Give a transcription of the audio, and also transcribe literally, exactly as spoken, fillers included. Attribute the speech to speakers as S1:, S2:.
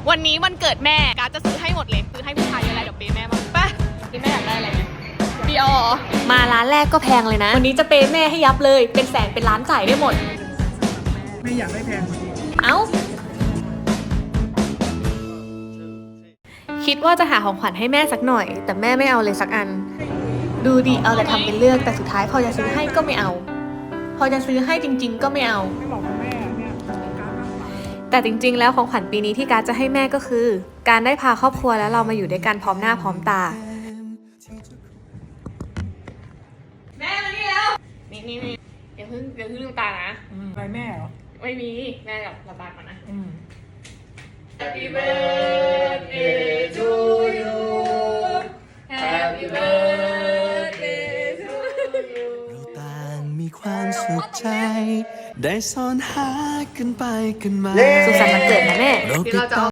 S1: วันนี้วันเกิดแม่การจะซื้อให้หมดเลยซื้อให้ผู้ชายอะไรเดี๋ยวเปย์แม่บ้างไปพี่แม่อยากได้อะไรเนี่ยเบียร์มาร้านแรกก็แพงเลยนะวันนี้จะเปย์แม่ให้ยับเลยเป็นแสนเป็นล้านจ่ายได้หมด
S2: ไม่อยากได้แพงกว่านี้
S1: เอ้าคิดว่าจะหาของขวัญให้แม่สักหน่อยแต่แม่ไม่เอาเลยสักอันดูดีเอาแต่ทำเป็นเลือกแต่สุดท้ายพอจะซื้อให้ก็ไม่เอาพอจะซื้อให้จริงๆก็ไม่เอา
S2: ไม่บอกคุณแม่เนี่ย
S1: แต่จริงๆแล้วของขวัญปีนี้ที่การจะให้แม่ก็คือการได้พาครอบครัวแล้วเรามาอยู่ด้วยกันพร้อมหน้าพร้อมตาแม่มานี่แล้วนี่นี่นี่เดี๋ยวเพิ่งเดี๋ยวเพิ่งลืมตานะ
S2: อะไรแม่เหรอ
S1: ไม่มีแม่กับระบายก่อนนะ
S3: Happy birthday to you Happy birthday to you เราต่างมีความสุขใจได้ซ่อนหากันไปกันมา
S1: สุขสันต์วันเกิดนะแม่
S3: เราติดต่อ